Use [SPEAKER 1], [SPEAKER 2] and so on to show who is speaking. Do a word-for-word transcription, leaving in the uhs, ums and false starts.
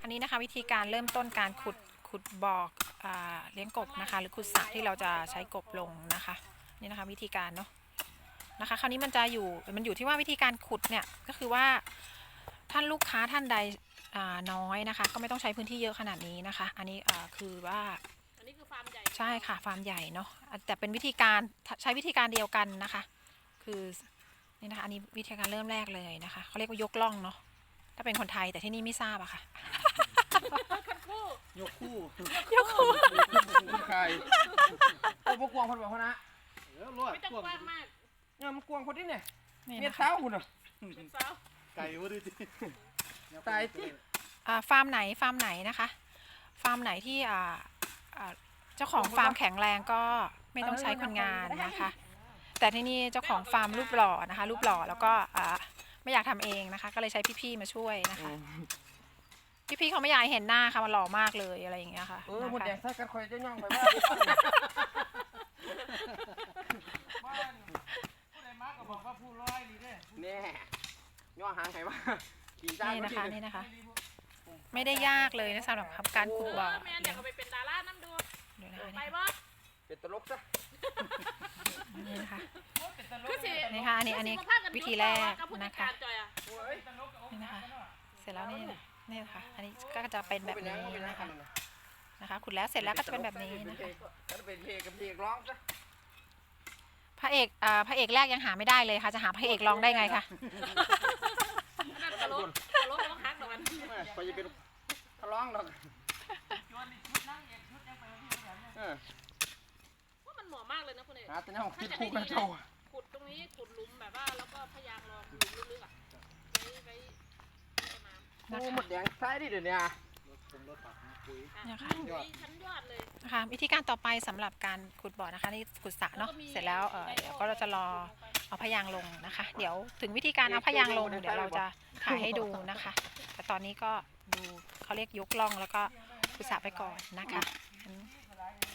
[SPEAKER 1] อันนี้นะคะวิธีการเริ่มต้นการขุดขุดบ่ออ่าเลี้ยงกบนะคะหรือขุดสระที่เราจะใช้กบลงนะคะนี่นะคะวิธีการเนาะนะคะคราวนี้มันจะอยู่มันอยู่ที่ว่าวิธีการขุดเนี่ยก็คือว่าท่านลูกค้าท่านใดน้อยนะคะก็ไม่ต้องใช้พื้นที่เยอะขนาดนี้นะคะอันนี้คือว่า
[SPEAKER 2] อันนี้คือฟาร์มใหญ่
[SPEAKER 1] ใช่ค่ะฟาร์มใหญ่เนาะแต่เป็นวิธีการใช้วิธีการเดียวกันนะคะคือนี่นะคะอันนี้วิธีการเริ่มแรกเลยนะคะเขาเรียกว่ายกล่องเนาะถ้าเป็นคนไทยแต่ที่นี่ไม่ทราบอะค่ะ
[SPEAKER 3] ยกคู่
[SPEAKER 1] ยกคู่
[SPEAKER 3] ใครโอ้พวกกวางคนแบบเขานะเออรอด
[SPEAKER 2] ไม่ต้องกว้างมาก
[SPEAKER 3] เนี่ยมันกวางคนนี้เนี่ย
[SPEAKER 1] นี่
[SPEAKER 3] เมีย
[SPEAKER 1] นะ
[SPEAKER 3] เท้า
[SPEAKER 1] คะ
[SPEAKER 3] คุณอ่ะ
[SPEAKER 2] เป็นสาว
[SPEAKER 3] ไก่วะดิตายที่
[SPEAKER 1] ฟาร์มไหนฟาร์มไหนนะคะฟาร์มไหนที่เจ้าของฟาร์มแข็งแรงก็ไม่ต้องใช้คนงานนะคะแต่ที่นี่เจ้าของฟาร์มรูปหล่อนะคะรูปหล่อแล้วก็ไม่อยากทำเองนะคะก็เลยใช้พี่ๆมาช่วยนะคะพี่ๆเขาไม่อยากเห็นหน้าค่ะมันหล่อมากเลยอะไรอย่างเงี้ยค่ะ
[SPEAKER 3] เออหมดแดงใส่กันคอยจะย่องไปว่าผู้ใดมาก็บอกว่าผู้ร้อยนี่เด้แน่ย่อหางใครว่า
[SPEAKER 1] นี่นะคะนี่นะคะไม่ได้ยากเลยนะสำหรับการขุดบ่อ
[SPEAKER 2] แม่อยากเอาไปเป็นดาราน้ำดูไปบ่
[SPEAKER 3] เป็นตลกซะ
[SPEAKER 1] นี่นะคะ
[SPEAKER 2] คือสิ
[SPEAKER 1] นี่ค่ะอันนี้อันนี้วิธีแรกนะคะนี่นะคะเสร็จแล้วนี่นี่ค่ะอันนี้ก็จะเป็นแบบนี้นะคะนะคะขุดแล้วเสร็จแล้วก็จะเป็นแบบนี้นะคะ
[SPEAKER 3] เป็นเพลงกับเพลงร้องซะ
[SPEAKER 1] พระเอกอ่าพระเอกแรกยังหาไม่ได้เลยค่ะจะหาพระเอกรองได้ไงคะ
[SPEAKER 2] นั่นตลกตลกร้องฮักดอกอัน
[SPEAKER 3] ไปจะเป็นทะร้องดอกเออ
[SPEAKER 2] ว่ามันเหมาะมากเลยนะคุณเอก
[SPEAKER 3] หาแต่เนี่ยคิดคู่กันโชว์
[SPEAKER 2] ขุดตรงนี้ขุดหลุมแบบว่าแล้วก็พยางรองหลุมลึกๆอ่ะไว้ไว้ต้นน้ำ
[SPEAKER 3] โอ้หมดแดงใส่ดิเดี๋ยวนี้
[SPEAKER 1] เนี่ยค่ะ
[SPEAKER 2] ชั้นยอดเลย
[SPEAKER 1] นะคะวิธีการต่อไปสำหรับการขุดบ่อนะคะนี่ขุดสระเนาะเสร็จแล้วเออเดี๋ยวก็เราจะรอเอาพยางลงนะคะ เดี๋ยวถึงวิธีการเอาพยางลงเดี๋ยวเราจะถ่ายให้ดูนะคะ แต่ตอนนี้ก็ดูเขาเรียกยกล่องแล้วก็ขุดสระไปก่อนนะคะ